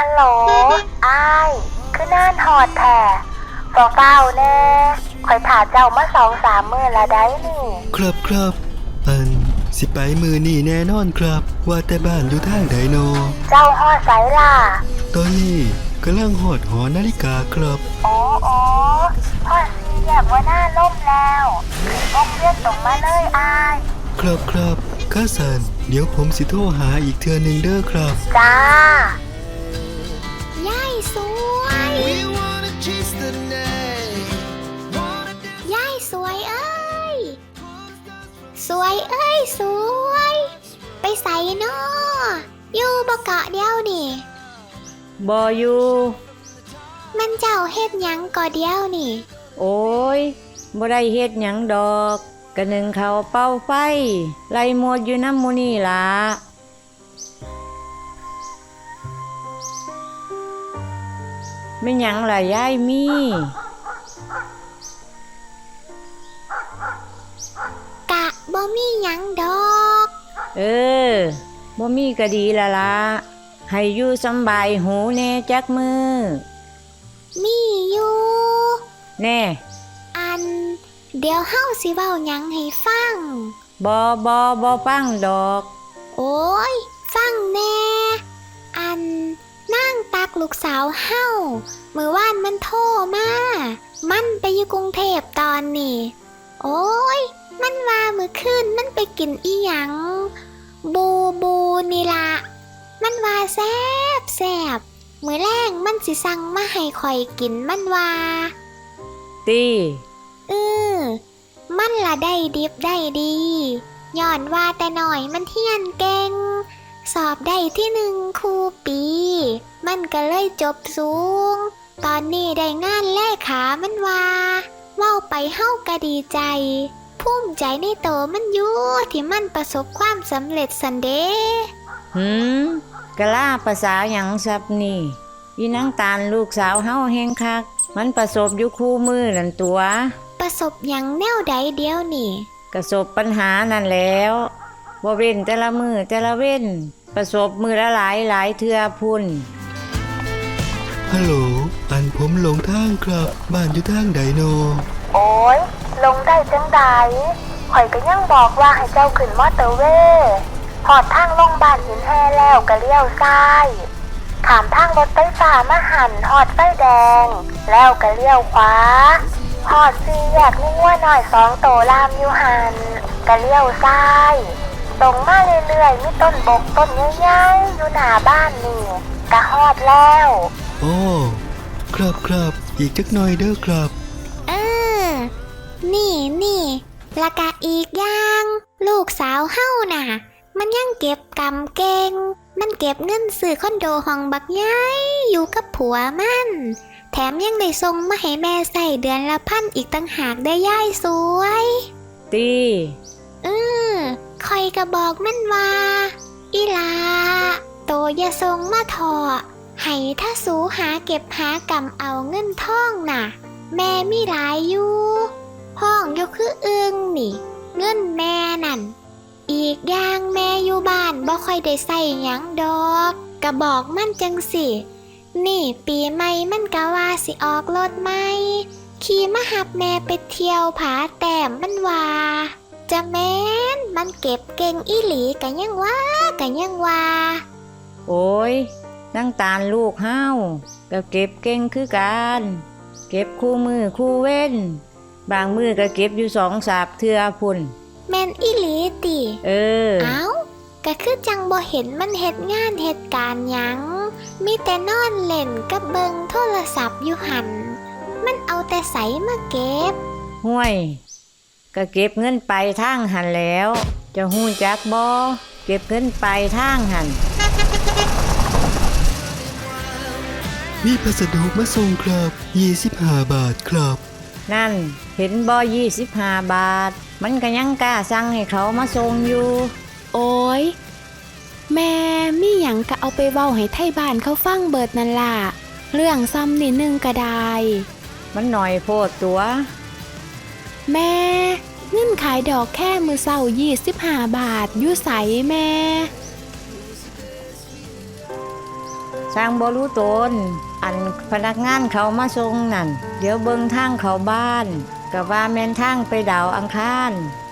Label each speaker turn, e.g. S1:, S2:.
S1: ฮัลโหลอ้ายคือน่านหอดแท้เฝ้าแน่คอยถ่าเจ้ามา2-3 มื้อละได้นี่
S2: ครับสิไปมือนี่แน่นอนครับว่าแต่บ้านอยู่ทางใดโน
S1: เจ้าฮอดไสล่ะ
S2: ตอนนี้กำลังหอดหอนาฬิกาครับ
S1: โอ้ฮอด4 แยกว่าหน้าล่มแล้วขึ้นวงเวียนตรงมาเลยอ้าย
S2: ครับข้าสันเดี๋ยวผมสิโทรหาอีกเทื่อนึงเด้อครับ
S1: จ้า
S3: ย่ายสวยย่ายสวยเอ้ยสวยเอ้ยสวยไปใส่นออยู่บ่เกาะเดียวนี่
S4: บ่อยู่
S3: มันเจ้าเฮ็ดหยังก่อเดียวนี่
S4: โอ้ยบ่ได้เฮ็ดหยังดอกกะนึงเขาเป้าไฟไล่หมดอยู่น้ำหมู่นี่ล่ะแม่นหยังล่ะยายมี
S3: กะบ่มีหยังดอก
S4: บ่มีก็ดีละละให้อยู่สำบายหูแน่จักมือ
S3: มีอยู่
S4: แน่
S3: เดี๋ยวเฮาสิเว้าหยังให้ฟัง
S4: บ่ฟังดอก
S3: โอ้ยฟังแน่นางตักลูกสาวเฮามื้อวานมันโทรมามันไปอยู่กรุงเทพตอนนี้โอ้ยมันว่ามื้อคืนมันไปกินอีหยังบูนี่ล่ะมันว่าแซ่บมื้อแรงมันสิสั่งมาให้ข่อยกินมันว่า
S4: ติ
S3: มันละได้ดิบได้ดีย้อนว่าแต่หน่อยมันเฮียนเก่งสอบได้ที่1 ครูปีมันก็เลยจบสูงตอนนี้ได้งานเลขามันว่าเว้าไปเฮาก็ดีใจภูมิใจในโตมันอยู่ที่มันประสบความสำเร็จสันเด
S4: กะลาภาษาหยังซับนี่อีนางตาลลูกสาวเฮาแฮงคักมันประสบอยู่คู่มือนั่นตัว
S3: ประสบหยังแนวใดเดียวนี่
S4: ประสบปัญหานั่นแล้วบ่เว้นแต่ละมือแต่ละเว้นประสบมือละหลายเทื่อพุ่น
S2: ฮัลโหลผมหลงทางครับบ้านอยู่ทางใดโน
S1: โอ้ยลงได้จังใดข่อยก็ยังบอกว่าให้เจ้าขึ้นมอเตอร์เวย์หอดทางลงบ้านหินแห่แล้วก็เลี้ยวซ้ายขามทางรถไฟฟ้ามาหันหอดไฟแดงแล้วก็เลี้ยวขวาหอด4 แยกมีงัวน้อย2 โตลามอยู่หันก็เลี้ยวซ้ายตรงมาเรื่อยๆมีต้นบกต้นใหญ่ๆอยู่หน้าบ้านนี่ก็ฮอดแล้ว
S2: โอ้ครับอีกจักหน่อยเด้อครับ
S3: นี่ละกะอีกอย่างลูกสาวเฮาน่ะมันยังเก็บกำเก่งมันเก็บเงินซื้อคอนโดห้องบักใหญ่อยู่กับผัวมันแถมยังได้ส่งมาให้แม่ใส่เดือนละ1,000อีกตั้งหากได้ย่ายสวย
S4: ตี
S3: คอยก็บอกมันว่าอีหลาโตอย่าส่งมาถอให้ถ้าสูหาเก็บหากำเอาเงินทองน่ะแม่มีหลายอยู่ห้องอยู่คืออึงนี่เงินแม่นั่นอีกอย่างแม่อยู่บ้านบ่ค่อยได้ใส่หยังดอกก็บอกมันจังสินี่ปีใหม่มันก็ว่าสิออกรถใหม่ขี่มาหับแม่ไปเที่ยวผาแต้มมันว่าจะแม่นมันเก็บเก่งอีหลีก็ยังว่า
S4: โอ้ยนางตาลลูกเฮาก็เก็บเก่งคือกันเก็บคู่มือคู่เว้นบางมือก็เก็บอยู่2-3 เทื่อพุ่น
S3: แม่นอีหลีติเอ้าก็คือจังบ่เห็นมันเฮ็ดงานเฮ็ดการหยังมีแต่นอนเล่นกับเบิ่งโทรศัพท์อยู่หั่นมันเอาแต่ไสมาเก็บ
S4: ห่วยก็เก็บเงินไปทางหั่นแล้วจะฮู้จักบ่เก็บเงินไปทางหั่น
S2: มีพัสดุมาส่งครับ25 บาทครับ
S4: นั่นเห็นบ่25 บาทมันก็ยังกล้าสั่งให้เขามาส่งอยู่
S5: โอ้ยแม่มีหยังก็เอาไปเว้าให้ไทบ้านเขาฟังเบิดนั่นล่ะเรื่องซ้ำนิดนึงก็ได้
S4: มันหน่อยโพดตัว
S5: แม่เงินขายดอกแค่มื้อเช้า25 บาทอยู่ไสแม่
S4: สร้างบ่รู้ตนอันพนักงานเขามาส่งนั่นเดี๋ยวเบิ่งทางเขาบ้านก็ว่าแม่นทางไปดาวอังคาร